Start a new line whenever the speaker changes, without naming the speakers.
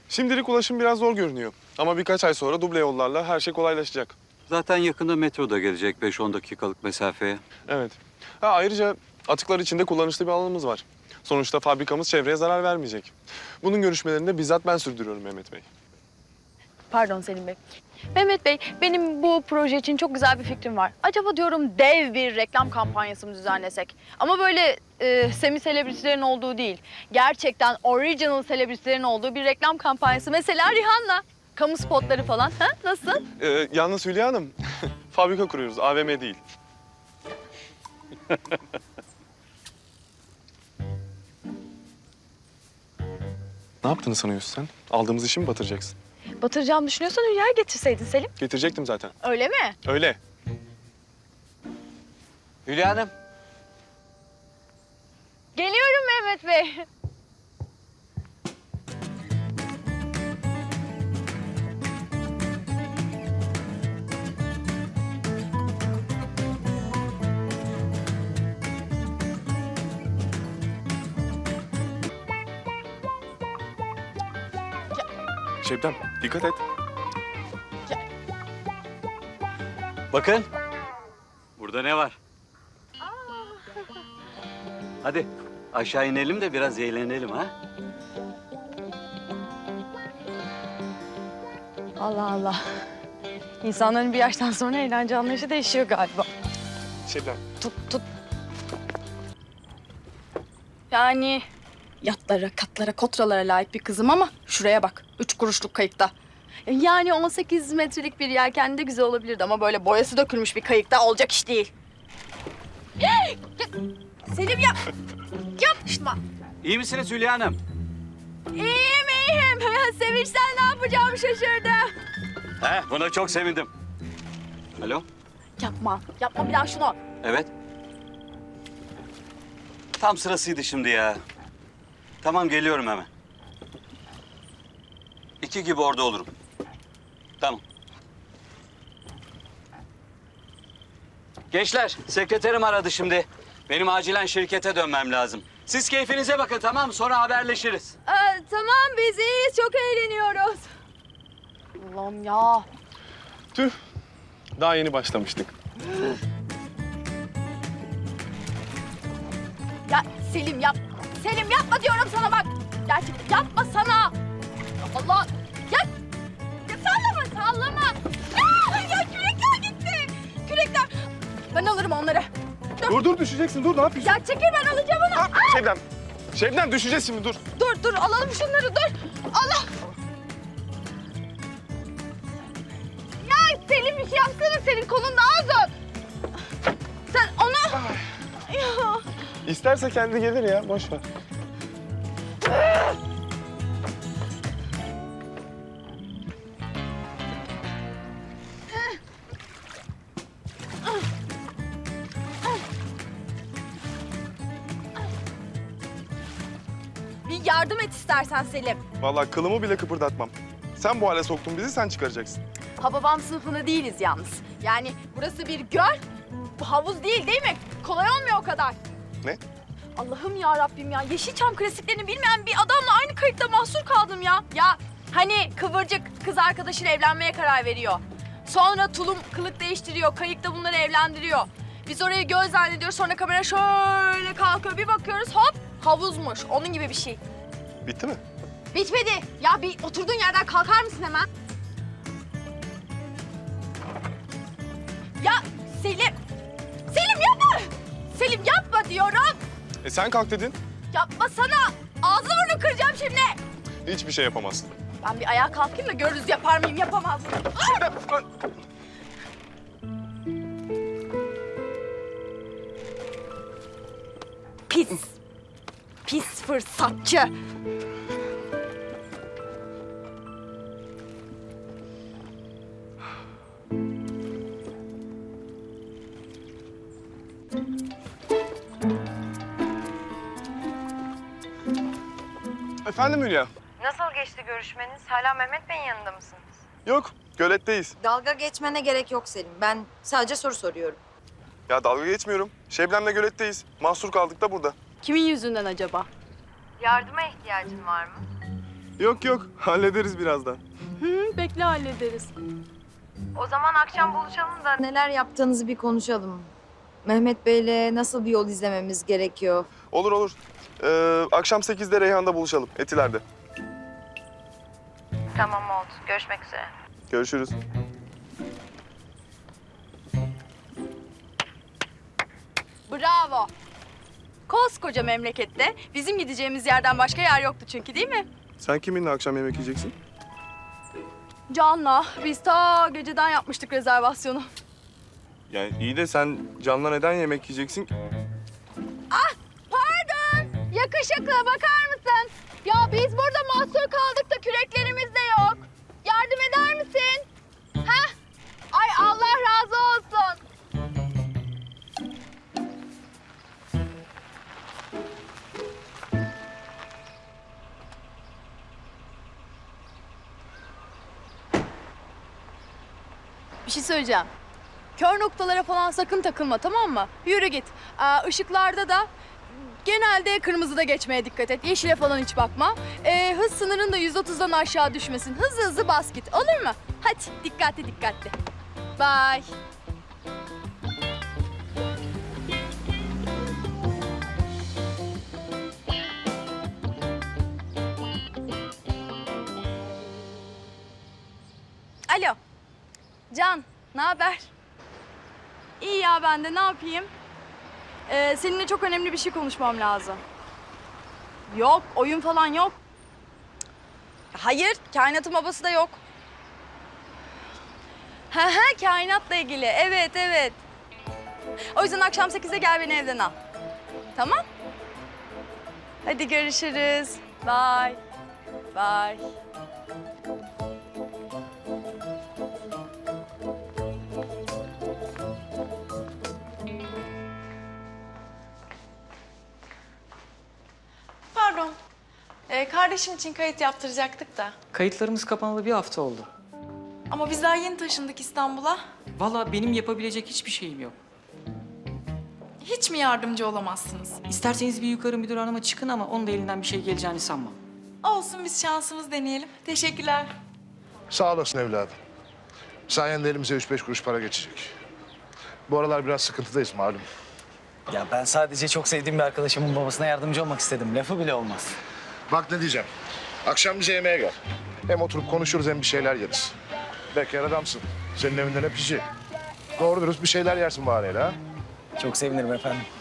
Şimdilik ulaşım biraz zor görünüyor. Ama birkaç ay sonra duble yollarla her şey kolaylaşacak.
Zaten yakında metro da gelecek 5-10 dakikalık mesafeye.
Evet. Ayrıca atıklar içinde kullanışlı bir alanımız var. Sonuçta fabrikamız çevreye zarar vermeyecek. Bunun görüşmelerini de bizzat ben sürdürüyorum Mehmet Bey.
Pardon Selim Bey. Mehmet Bey, benim bu proje için çok güzel bir fikrim var. Acaba diyorum dev bir reklam kampanyası mı düzenlesek? Ama böyle semi selebritilerin olduğu değil. Gerçekten original selebritilerin olduğu bir reklam kampanyası. Mesela Rihanna. Kamu spotları falan. Ha? Nasıl?
Yalnız Hülya Hanım, fabrika kuruyoruz, AVM değil. Ne yaptığını sanıyorsun sen? Aldığımız işi mi batıracaksın?
Batıracağımı düşünüyorsan Hülya'yı getirseydin Selim.
Getirecektim zaten.
Öyle mi?
Öyle.
Hülya Hanım.
Geliyorum Mehmet Bey.
Şebnem, dikkat et.
Bakın. Burada ne var? Hadi aşağı inelim de biraz eğlenelim ha.
Allah Allah. İnsanların bir yaştan sonra eğlence anlayışı değişiyor galiba.
Şebnem.
Tut. Yani yatlara, katlara, kotralara layık bir kızım ama şuraya bak. 3 kuruşluk kayıkta. Yani 18 metrelik bir yelken de güzel olabilirdi ama böyle boyası dökülmüş bir kayıkta olacak iş değil. Selim ya. Yapma.
İyi misiniz Hülya Hanım?
İyiyim. Sevinçten ne yapacağımı şaşırdım.
Buna çok sevindim. Alo?
Yapma bir daha şunu.
Evet. Tam sırasıydı şimdi ya. Tamam geliyorum hemen. 2 gibi orada olurum. Tamam. Gençler, sekreterim aradı şimdi. Benim acilen şirkete dönmem lazım. Siz keyfinize bakın tamam mı? Sonra haberleşiriz.
Tamam biz iyiyiz. Çok eğleniyoruz. Allah'ım ya.
Tüh, daha yeni başlamıştık.
Ya Selim yap. Selim yapma diyorum sana bak. Gerçekten yapma sana. Allah. Ya sallama. Ya kürekler gitti. Kürekler. Ben alırım onları.
Dur düşeceksin, dur ne yapıyorsun?
Ya çekil ben alacağım onu.
Şebnem, Şebnem düşeceğiz şimdi dur.
Dur alalım şunları dur. Allah. Ya Selim bir şey yapsana, senin kolun daha uzun. Sen onu... Ya.
İsterse kendi gelir ya, boş ver.
Bir yardım et istersen Selim.
Vallahi kılımı bile kıpırdatmam. Sen bu hale soktun bizi, sen çıkaracaksın.
Hababam sınıfında değiliz yalnız. Yani burası bir göl, bu havuz değil mi? Kolay olmuyor o kadar.
Ne?
Allah'ım ya Rabbim ya. Yeşilçam klasiklerini bilmeyen bir adamla aynı kayıkta mahsur kaldım ya. Ya hani Kıvırcık kız arkadaşıyla evlenmeye karar veriyor. Sonra Tulum kılık değiştiriyor, kayıkta bunları evlendiriyor. Biz orayı göl zannediyoruz, sonra kamera şöyle kalkıyor. Bir bakıyoruz hop havuzmuş. Onun gibi bir şey.
Bitti mi?
Bitmedi. Ya bir oturduğun yerden kalkar mısın hemen? Ya Selim. Selim yapma. Selim yapma diyorum.
Sen kalk dedin.
Yapmasana. Ağzını burnunu kıracağım şimdi.
Hiçbir şey yapamazsın.
Ben bir ayağa kalkayım da görürüz yapar mıyım yapamaz mıyım? Pis. Pis fırsatçı.
Efendim Hülya?
Nasıl geçti görüşmeniz? Hala Mehmet Bey'in yanında mısınız?
Yok, göletteyiz.
Dalga geçmene gerek yok Selim. Ben sadece soru soruyorum.
Ya dalga geçmiyorum. Şebnem'le göletteyiz. Mahsur kaldık da burada.
Kimin yüzünden acaba?
Yardıma ihtiyacın var mı?
Yok yok, hallederiz birazdan.
Bekle hallederiz.
O zaman akşam buluşalım da neler yaptığınızı bir konuşalım. Mehmet Bey'le nasıl bir yol izlememiz gerekiyor?
Olur olur. Akşam 8'de Reyhan'da buluşalım, Etiler'de.
Tamam oldu. Görüşmek üzere.
Görüşürüz.
Bravo. Koskoca memlekette bizim gideceğimiz yerden başka yer yoktu çünkü, değil mi?
Sen kiminle akşam yemek yiyeceksin?
Can'la biz ta geceden yapmıştık rezervasyonu.
Yani iyi de sen Can'la neden yemek yiyeceksin ki?
Pardon. Yakışıklı bakar mısın? Ya biz burada mahsur kaldık da küreklerimiz de yok. Yardım eder misin? Heh. Ay Allah razı olsun. Bir şey söyleyeceğim. Kör noktalara falan sakın takılma, tamam mı? Yürü git. Işıklarda da genelde kırmızıda geçmeye dikkat et. Yeşile falan hiç bakma. Hız sınırın da 130'dan aşağı düşmesin. Hızlı hızlı bas git. Olur mu? Hadi dikkatli dikkatli. Bye. Alo. Can, ne haber? İyi ya, ben de ne yapayım? Seninle çok önemli bir şey konuşmam lazım. Yok, oyun falan yok. Hayır, kainatın babası da yok. Kainatla ilgili. Evet, evet. O yüzden akşam 8'de gel beni evden al. Tamam? Hadi görüşürüz. Bye. Bye.
Pardon. Kardeşim için kayıt yaptıracaktık da.
Kayıtlarımız kapanalı bir hafta oldu.
Ama biz daha yeni taşındık İstanbul'a.
Vallahi benim yapabilecek hiçbir şeyim yok.
Hiç mi yardımcı olamazsınız?
İsterseniz bir yukarı müdür hanıma çıkın ama onun da elinden bir şey geleceğini sanmam.
Olsun, biz şansımız deneyelim. Teşekkürler.
Sağ olasın evladım. Sayende elimize 3-5 kuruş para geçecek. Bu aralar biraz sıkıntıdayız malum.
Ya ben sadece çok sevdiğim bir arkadaşımın babasına yardımcı olmak istedim. Lafı bile olmaz.
Bak ne diyeceğim. Akşam bize yemeğe gel. Hem oturup konuşuruz hem bir şeyler yeriz. Bekar adamsın. Senin evinden hep işi. Doğru dürüst bir şeyler yersin bari ha.
Çok sevinirim efendim.